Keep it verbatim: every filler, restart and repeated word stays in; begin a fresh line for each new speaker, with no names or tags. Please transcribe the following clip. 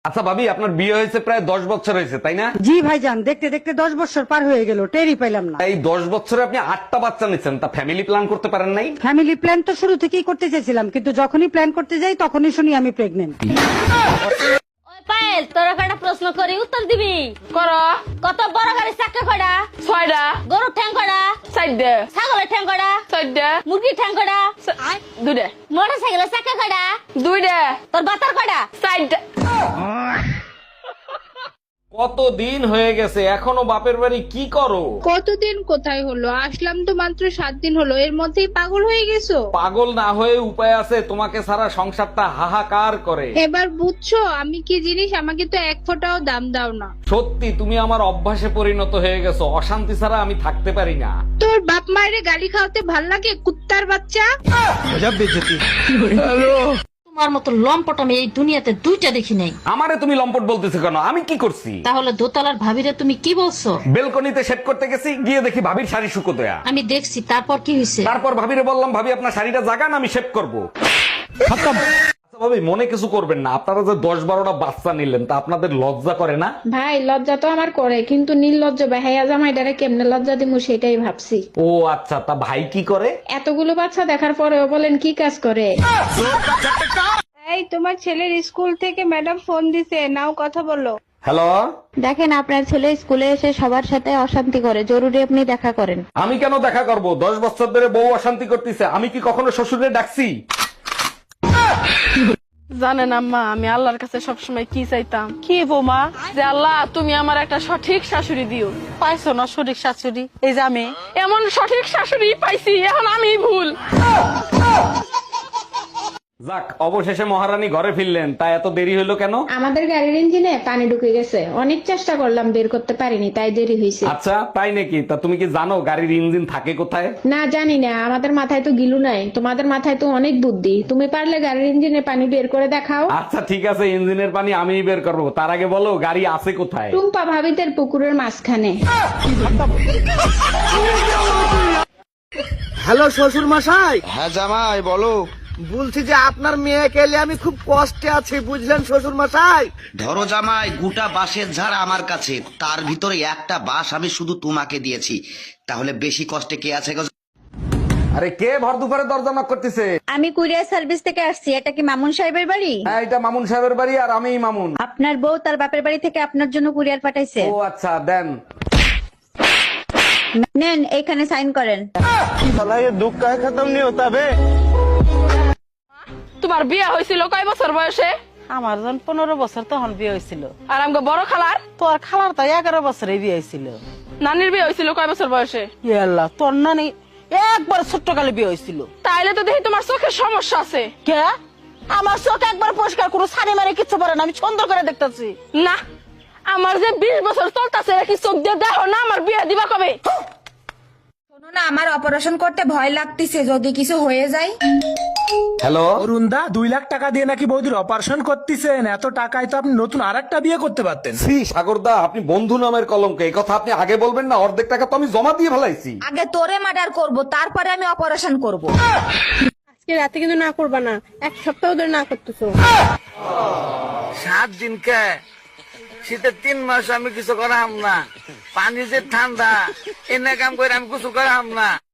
আচ্ছা ভাবি, আপনার বিয়ে হয়েছে প্রায় দশ বছর হয়েছে তাই না?
জি ভাইজান, দেখতে দেখতে দশ বছর পার হয়ে গেল, টেরই পাইলাম না।
এই দশ বছরে আপনি আটটা বাচ্চা নিচ্ছেন, তা ফ্যামিলি প্ল্যান করতে পারেন নাই?
ফ্যামিলি প্ল্যান তো শুরু থেকেই করতে চাইছিলাম, কিন্তু যখনই প্ল্যান করতে যাই তখনই শুনি আমি প্রেগনেন্ট।
ওই পায়েল, তোর একটা প্রশ্ন করি, উত্তর দিবি?
কর।
কত বড় গাড়ির চাকা কয়টা?
ছয়টা।
গরুর ঠ্যাং কয়টা?
চারটে।
ছাগলের ঠ্যাং কয়টা?
চোদ্দা।
মুরগির ঠ্যাং কয়টা?
দুইটা।
মোটর সাইকেলের চাকা কয়টা?
দুইটা।
তোর বাতার কয়টা?
চারটা।
কত দিন হয়ে গেছে, এখনো বাপের বাড়ি কি করো?
কতদিন কোথায় হলো, আসলাম তো মাত্র সাত দিন হলো, এর মধ্যেই পাগল হয়ে গেছো?
পাগল না হয়ে উপায় আছে, তোমাকে সারা সংসারটা হাহাকার করে।
এবার বুঝছো আমি কি জিনিস, আমাকে তো এক ফোঁটাও দাম দাও না।
সত্যি তুমি আমার অভ্যাসে পরিণত হয়ে গেছো, অশান্তি ছাড়া আমি থাকতে পারি না।
তোর বাপ মায়ের গালি খাওয়াতে ভাল লাগে, কুত্তার বাচ্চা।
তোমার মতো লম্পট আমি এই দুনিয়াতে দুইটা দেখি নাই।
আমারে তুমি লম্পট বলতেছো কেন? আমি কি করছি?
তাহলে দোতলার ভাবিরে তুমি কি বলছো?
বেলকনিতে শেভ করতে গেছি, গিয়ে দেখি ভাবির শাড়ি শুকোতয়া।
আমি দেখছি, তারপর কি হয়েছে?
তারপর ভাবিরে বললাম, ভাবি আপনার শাড়িটা জাগান, আমি শেভ করবো। আচ্ছা ভাবি, মনে কিছু করবেন না, আপনারা যে দশ বারোটা বাচ্চা নিলেন, তা আপনাদের লজ্জা করে না?
ভাই লজ্জা তো আমার করে, কিন্তু নির্লজ্জ বেহাইয়া জামাইটারে কেমনে লজ্জা দিমু সেটাই ভাবছি।
ও আচ্ছা, তা ভাই কি করে?
এতগুলো বাচ্চা দেখার পরেও বলেন কি কাজ করে। এই তোমার ছেলের স্কুল থেকে ম্যাডাম ফোন দিছে, নাও কথা বলো।
হ্যালো,
দেখেন আপনার ছেলে স্কুলে এসে সবার সাথে অশান্তি করে, জরুরি আপনি দেখা করেন।
আমি কেন দেখা করব? দশ বছর ধরে বউ অশান্তি করতেছে, আমি কি কখনো শ্বশুরে ডাকছি?
জানেন আম্মা, আমি আল্লাহর কাছে সবসময় কি চাইতাম? কি বৌমা? যে আল্লাহ তুমি আমার একটা সঠিক শাশুড়ি দিও।
পাইছো না সঠিক শাশুড়ি? এই যে আমি।
এমন সঠিক শাশুড়ি পাইছি, এখন আমি ভুল।
যাক, অবশেষে মহারানী ঘরে ফিরলেন, তা এত দেরি হলো কেন?
আমাদের গাড়ির ইঞ্জিনে পানি ঢুকে গেছে, অনেক চেষ্টা করলাম বের করতে পারিনি, তাই দেরি হয়েছে।
আচ্ছা তাই নাকি? তা তুমি কি জানো গাড়ির ইঞ্জিন থাকে কোথায়?
না জানি না, আমাদের মাথায় তো গিলু নাই, তোমাদের মাথায় তো অনেক বুদ্ধি, তুমি পারলে গাড়ির ইঞ্জিনে পানি বের করে দেখাও।
আচ্ছা ঠিক আছে, ইঞ্জিনের পানি আমিই বের করবো, তার আগে বলো গাড়ি আছে কোথায়?
টুম্পা ভাবিদের পুকুরের মাঝখানে।
হ্যালো শ্বশুর মশাই,
হ্যাঁ জামাই বলো।
বলছি যে আপনার মেয়েকে এলে আমি খুব কষ্টে আছি, বুঝলেন শ্বশুর মশাই।
ধরো জামাই, গোটা বাঁশের ঝাড় আমার কাছে, তার ভিতরে একটা বাঁশ আমি শুধু তোমাকে দিয়েছি, তাহলে বেশি কষ্টে কে আছে গো?
আরে কে ভর দুপুরে দরজা knock করতেছে?
আমি কুরিয়ার সার্ভিস থেকে আসছি, এটা কি মামুন সাহেবের বাড়ি?
হ্যাঁ, এটা মামুন সাহেবের বাড়ি, আর আমিই মামুন।
আপনার বউ তার বাপের বাড়ি থেকে আপনার জন্য কুরিয়ার পাঠাইছে।
ও আচ্ছা, দেন।
নেন, এইখানে সাইন করেন।
তোমার বিয়ে হয়েছিল কয় বছর বয়সে?
আমার যখন পনেরো বছর তখন বিয়ে হয়েছিল।
আর আমাকে বড় খালার?
তোর খালার তো এগারো বছরে বিয়ে হয়েছিল।
নানির বিয়ে হয়েছিল কয় বছর বয়সে?
ইয়ে আল্লাহ, তোর নানি একবার ছোট্ট কালে বিয়ে হয়েছিল।
তাইলে তো দেখি তোমার চোখের সমস্যা আছে।
কে? আমার চোখ একবার পরিষ্কার কোনো সানি মারে কিচ্ছু পারে না, আমি সুন্দর করে দেখতেছি।
না, আমার যে বিশ বছর চলতেছে, কি চোখ দিয়ে দেখো না? আমার বিয়ে দিবা কবে?
শোনো না, আমার অপারেশন করতে ভয় লাগতেছে, যদি কিছু হয়ে যায়।
হ্যালো,
অরুণদা, দুই লাখ টাকা দিয়ে নাকি বৌদির অপারেশন করতেছেন? এত টাকায় তো আপনি নতুন আর একটা বিয়ে করতে পারতেন।
শ্রী সাগরদা, আপনি বন্ধু নামের কলঙ্ক, এই কথা আপনি আগে বলবেন না? অর্ধেক টাকা তো আমি জমা দিয়ে ফেলাইছি।
আগে তোরে মার্ডার করব, তারপরে আমি অপারেশন করব।
আজকে রাতে কিন্তু না করবা না, এক সপ্তাহ ধরে না করতেছো।
সাত দিন কে শীতের তিন মাস আমি কিছু করাম না, পানি যে ঠান্ডা, এনে কাম করে আমি কিছু করাম না।